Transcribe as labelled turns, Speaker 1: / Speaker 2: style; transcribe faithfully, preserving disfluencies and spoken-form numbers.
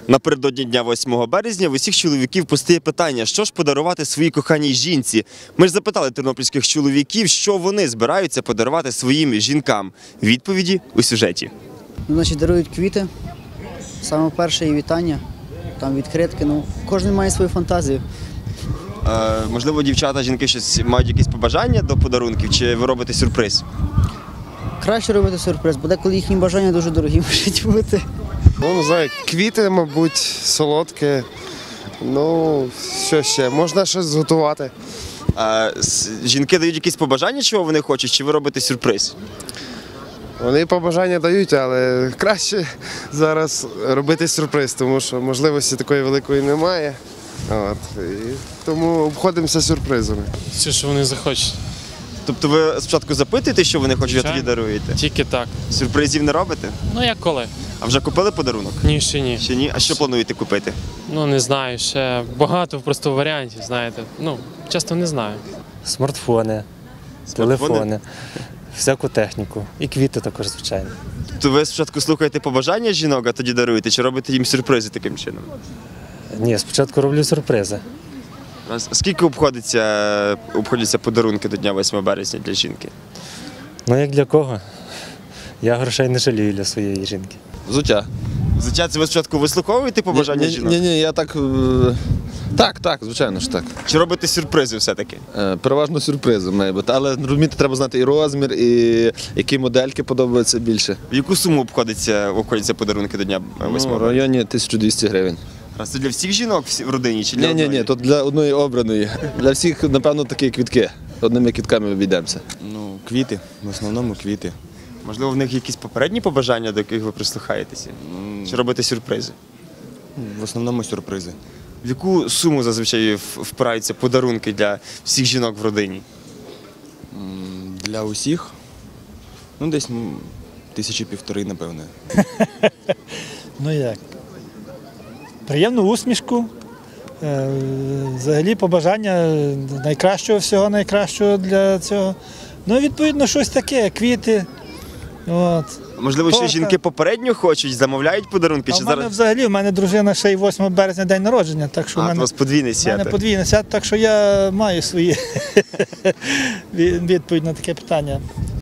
Speaker 1: Напередодні дня восьмого березня в усіх чоловіків постає питання, що ж подарувати своїй коханій жінці. Ми ж запитали тернопільських чоловіків, що вони збираються подарувати своїм жінкам. Відповіді у сюжеті.
Speaker 2: Ну, значить, дарують квіти, саме перше і вітання, там відкритки, ну, кожен має свою фантазію.
Speaker 1: Е, можливо, дівчата, жінки щось мають якісь побажання до подарунків, чи ви робите сюрприз?
Speaker 2: Краще робити сюрприз, бо деколи їхні бажання дуже дорогі можуть бути.
Speaker 3: Ну, не знаю, квіти, мабуть, солодке. Ну, що ще? Можна щось зготувати.
Speaker 1: Е, жінки дають якісь побажання, чого вони хочуть, чи ви робите сюрприз?
Speaker 3: Вони побажання дають, але краще зараз робити сюрприз, тому що можливості такої великої немає. От, і тому обходимося сюрпризами.
Speaker 4: Все, що вони захочуть.
Speaker 1: Тобто ви спочатку запитуєте, що вони хочуть, а тоді даруєте?
Speaker 4: Тільки так.
Speaker 1: Сюрпризів не робите?
Speaker 4: Ну як коли?
Speaker 1: А вже купили подарунок?
Speaker 4: Ні, ще ні.
Speaker 1: Ще ні? А що плануєте купити?
Speaker 4: Ну не знаю, ще багато просто варіантів, знаєте. Ну, часто не знаю.
Speaker 5: Смартфони,
Speaker 1: Смартфони?
Speaker 5: телефони, всяку техніку. І квіти також, звичайно.
Speaker 1: Тобто ви спочатку слухаєте побажання жінок, а тоді даруєте, чи робите їм сюрпризи таким чином?
Speaker 5: Ні, спочатку роблю сюрпризи.
Speaker 1: А скільки обходиться, обходяться подарунки до Дня восьмого березня для жінки?
Speaker 5: Ну як для кого? Я грошей не жалію для своєї жінки.
Speaker 6: Взуття.
Speaker 1: Взуття, це ви спочатку вислуховуєте побажання
Speaker 6: ні,
Speaker 1: жінок?
Speaker 6: Ні, ні, я так. е, Так, так, звичайно ж так.
Speaker 1: Чи робите сюрпризи все-таки?
Speaker 6: Е, Переважно сюрпризи має бути. Але розумієте, треба знати і розмір, і які модельки подобаються більше.
Speaker 1: В яку суму обходиться, обходяться подарунки до Дня
Speaker 6: Ну,
Speaker 1: восьмого
Speaker 6: в
Speaker 1: березня?
Speaker 6: районі тисяча двісті гривень.
Speaker 1: А це для всіх жінок всі- в родині чи для
Speaker 6: Ні, ні,
Speaker 1: одної?
Speaker 6: ні, то для одної обраної. Для всіх, напевно, такі квітки. Одними квітками обійдемося.
Speaker 7: Ну, квіти, в основному квіти.
Speaker 1: Можливо, в них якісь попередні побажання, до яких ви прислухаєтеся? Чи робите сюрпризи?
Speaker 7: В основному сюрпризи.
Speaker 1: В яку суму зазвичай в- впираються подарунки для всіх жінок в родині?
Speaker 7: М, Для усіх, ну десь м, тисячі півтори, напевне.
Speaker 8: Ну як? Приємну усмішку, е, взагалі побажання найкращого, всього найкращого для цього. Ну, відповідно, щось таке, квіти. От.
Speaker 1: Можливо, ще
Speaker 8: Торта.
Speaker 1: жінки попередньо хочуть, замовляють подарунки,
Speaker 8: А
Speaker 1: чи
Speaker 8: в мене
Speaker 1: зараз
Speaker 8: взагалі, в мене дружина ще й восьмого березня день народження, так що
Speaker 1: а,
Speaker 8: в
Speaker 1: у
Speaker 8: мене,
Speaker 1: вас подвійне
Speaker 8: в мене
Speaker 1: свято?
Speaker 8: подвійне свято, так що я маю свої відповідь на таке питання.